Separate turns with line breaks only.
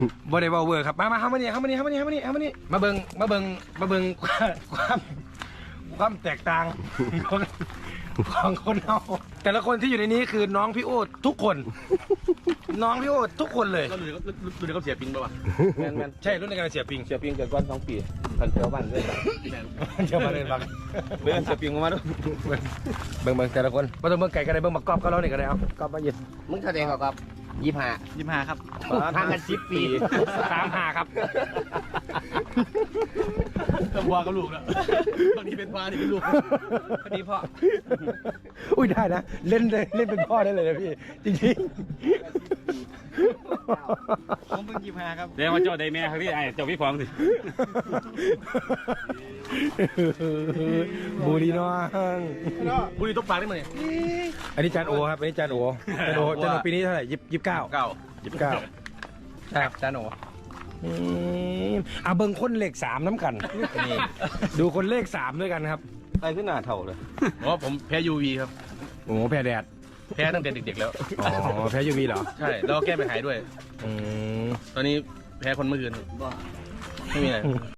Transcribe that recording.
บ่ได้เว้าเวอร์ครับมาเข้ามานี่มาเบิ่งความแตกต่างของคนเราแต่ละคนที่อยู่ในนี้คือน้องพี่โอ๊ตทุกคน น้องพี่โอ๊ตทุกคนเลย
ก็ดูเขาเสียปิงป่ะวะ
แมนใช่รุ่นในการเสียปิง
เสียปิงเกิดก่อน2 ปีคันเที่ยวบ้านเลย
เชื่อมาเลยบัก
เรื่องเสียปิงมาด้วย
เบิ่งแต่ละคนบ่ต้องเบิ่งไก่ก็ได้เบิ่งบักกอบก็เรานี่ก็ได้เอากอบมาเย็น
มึงแสดงกับ25ครับห่างกัน10 ปี
35ครับ
ต้องวัวกับลูกแล้วบางทีเป็นว่านี่เป็นลูกพอดีพ่อ
อุ้ยได้นะเล่นเป็นพ่อได้เลยนะพี่จริง
ผมเพิ่ง25ครับ
เดี๋ยวมาเจ้าได้แม่ครับพี่ไอ้เจ้าพี่ฟองสิ
บูรีน้อง
บุรีตกปลาได้ไหม
อันนี้จานโอครับอันนี้จานโอปีนี้เท่าไหร่29
เก้า
ครับจานโอเบิ่งคนเลข3น้ำกันนี่ดูคนเลข3ด้วยกันครับ
ไปขึ้นหน้าเท่าเลยอ๋อผมแพ้ UV ครับ
โอ้แพ้แดด
แพ้ตั้งแต่เด็กๆแล้ว
อ๋อแพ้ยูวีเหรอ
ใช่แล้วก็แก้ไปหายด้วย
อืม
ตอนนี้แพ้คนเมื่อคืนไม่มีอะไร